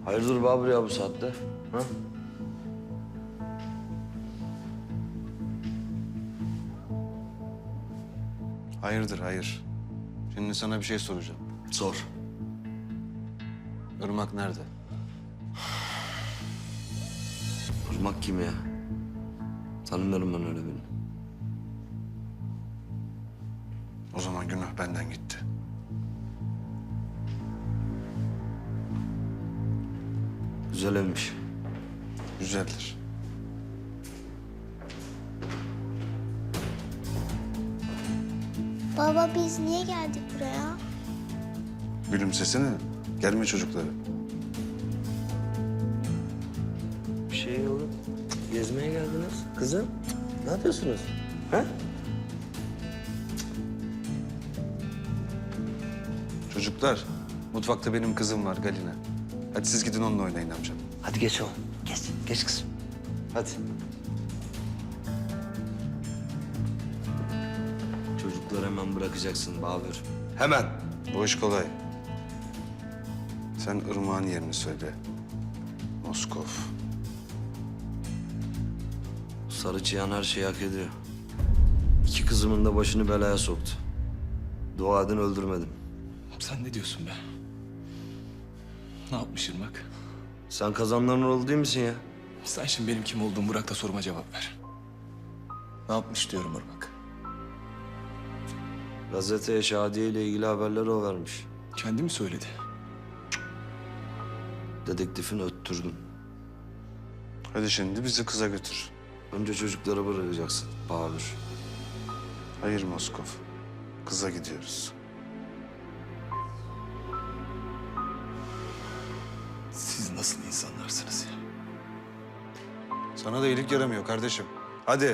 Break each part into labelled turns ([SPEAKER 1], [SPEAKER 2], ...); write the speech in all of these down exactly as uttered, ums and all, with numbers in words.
[SPEAKER 1] Hayırdır Babür ya bu saatte? Ha?
[SPEAKER 2] Hayırdır, hayır. Şimdi sana bir şey soracağım.
[SPEAKER 1] Sor.
[SPEAKER 2] Irmak nerede?
[SPEAKER 1] Irmak kim ya? Tanımıyorum ben öyle birini.
[SPEAKER 2] O zaman günah benden gitti.
[SPEAKER 1] Güzel evmiş.
[SPEAKER 2] Güzeldir.
[SPEAKER 3] Baba biz niye geldik buraya?
[SPEAKER 2] Gülümsesene. Gelme çocukları.
[SPEAKER 1] Bir şey yok. Gezmeye geldiniz. Kızım, ne yapıyorsunuz? Ha?
[SPEAKER 2] Çocuklar, mutfakta benim kızım var Galina. Hadi siz gidin onunla oynayın amcam.
[SPEAKER 1] Hadi geç oğlum. Geç. Geç kızım. Hadi. Çocukları hemen bırakacaksın Babür. Hemen.
[SPEAKER 2] Bu iş kolay. Sen Irmak'ın yerini söyle. Moskov.
[SPEAKER 1] Sarı Çıyan her şeyi hak ediyor. İki kızımın da başını belaya soktu. Dua edin öldürmedim.
[SPEAKER 4] Sen ne diyorsun be? Ne yapmış Irmak?
[SPEAKER 1] Sen kazanların oğlu değil misin ya?
[SPEAKER 4] Sen şimdi benim kim olduğumu bırak da soruma cevap ver. Ne yapmış diyorum Irmak?
[SPEAKER 1] Gazeteye Şadiye ile ilgili haberleri o vermiş.
[SPEAKER 4] Kendi mi söyledi?
[SPEAKER 1] Dedektifini öttürdüm.
[SPEAKER 2] Hadi şimdi bizi kıza götür.
[SPEAKER 1] Önce çocukları bırakacaksın Babür.
[SPEAKER 2] Hayır Moskov. Kıza gidiyoruz.
[SPEAKER 4] Siz nasıl insanlarsınız ya?
[SPEAKER 2] Sana da iyilik yaramıyor kardeşim. Hadi.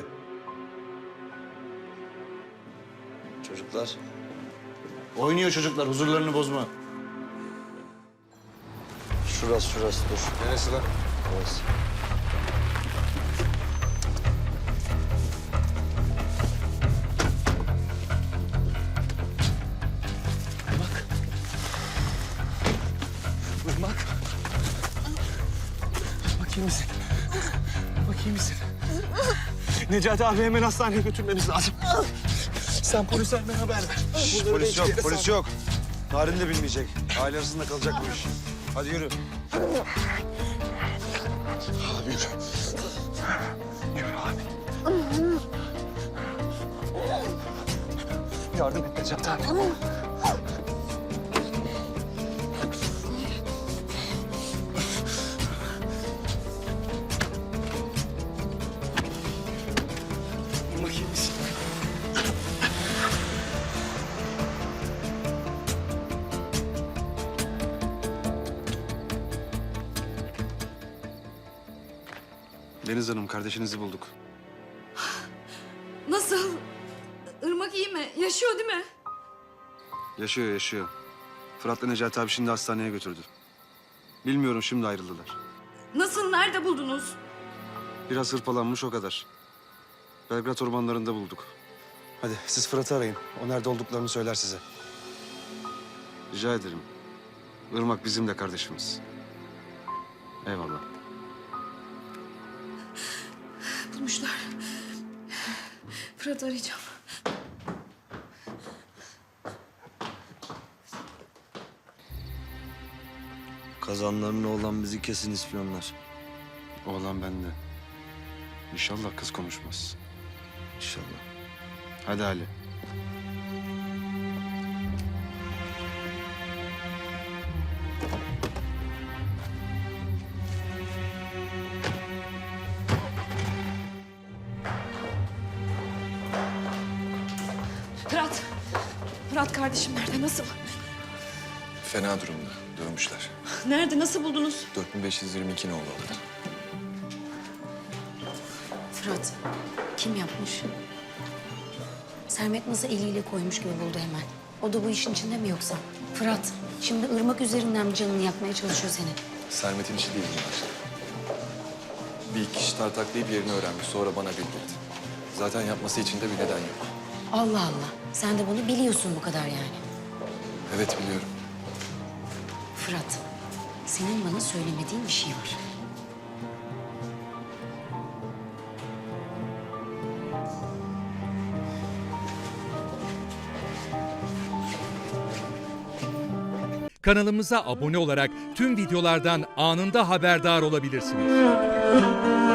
[SPEAKER 1] Çocuklar.
[SPEAKER 2] Oynuyor çocuklar. Huzurlarını bozma.
[SPEAKER 1] Şurası şurası dur.
[SPEAKER 2] Neresi lan?
[SPEAKER 1] Orası.
[SPEAKER 4] Irmak. Irmak. Irmak iyi misin? Irmak iyi misin? Necati abi hemen hastaneye götürmemiz lazım. Sen polise hemen haber ver. Bunları
[SPEAKER 2] Polis
[SPEAKER 4] belki
[SPEAKER 2] yok,
[SPEAKER 4] yere
[SPEAKER 2] polis
[SPEAKER 4] sal-
[SPEAKER 2] yok. Narin de bilmeyecek. Aile arasında kalacak bu iş. Hadi yürü.
[SPEAKER 4] Abi yürü. Yürü abi. Yardım et Necati abi. Irmak iyi misin?
[SPEAKER 2] Deniz Hanım, kardeşinizi bulduk.
[SPEAKER 5] Nasıl? Irmak iyi mi? Yaşıyor değil mi?
[SPEAKER 2] Yaşıyor, yaşıyor. Fırat'la Necati abi şimdi hastaneye götürdü. Bilmiyorum, şimdi ayrıldılar.
[SPEAKER 5] Nasıl? Nerede buldunuz?
[SPEAKER 2] Biraz hırpalanmış o kadar. Belgrad ormanlarında bulduk. Hadi siz Fırat'ı arayın. O nerede olduklarını söyler size. Rica ederim. Irmak bizim de kardeşimiz. Eyvallah.
[SPEAKER 5] Bulmuşlar. Fırat arayacağım.
[SPEAKER 1] Kazanların oğlan bizi kesin ispiyonlar.
[SPEAKER 2] Oğlan bende. İnşallah kız konuşmaz.
[SPEAKER 1] İnşallah.
[SPEAKER 2] Hadi Ali.
[SPEAKER 5] Fırat. Fırat kardeşim nerede? Nasıl?
[SPEAKER 4] Fena durumda. Dövmüşler.
[SPEAKER 5] Nerede? Nasıl buldunuz?
[SPEAKER 4] dört bin beş yüz yirmi iki nolu orada.
[SPEAKER 6] Fırat, kim yapmış? Sermet nasıl eliyle koymuş gibi buldu hemen. O da bu işin içinde mi yoksa? Fırat, şimdi ırmak üzerinden mi canını yakmaya çalışıyor senin?
[SPEAKER 4] Sermet'in işi değil bunlar. Bir iki kişi tartaklayıp yerini öğrenmiş. Sonra bana bildirdi. Zaten yapması için de bir neden yok.
[SPEAKER 6] Allah Allah, sen de bunu biliyorsun bu kadar yani.
[SPEAKER 4] Evet biliyorum.
[SPEAKER 6] Fırat, senin bana söylemediğin bir şey var.
[SPEAKER 7] Kanalımıza abone olarak tüm videolardan anında haberdar olabilirsiniz.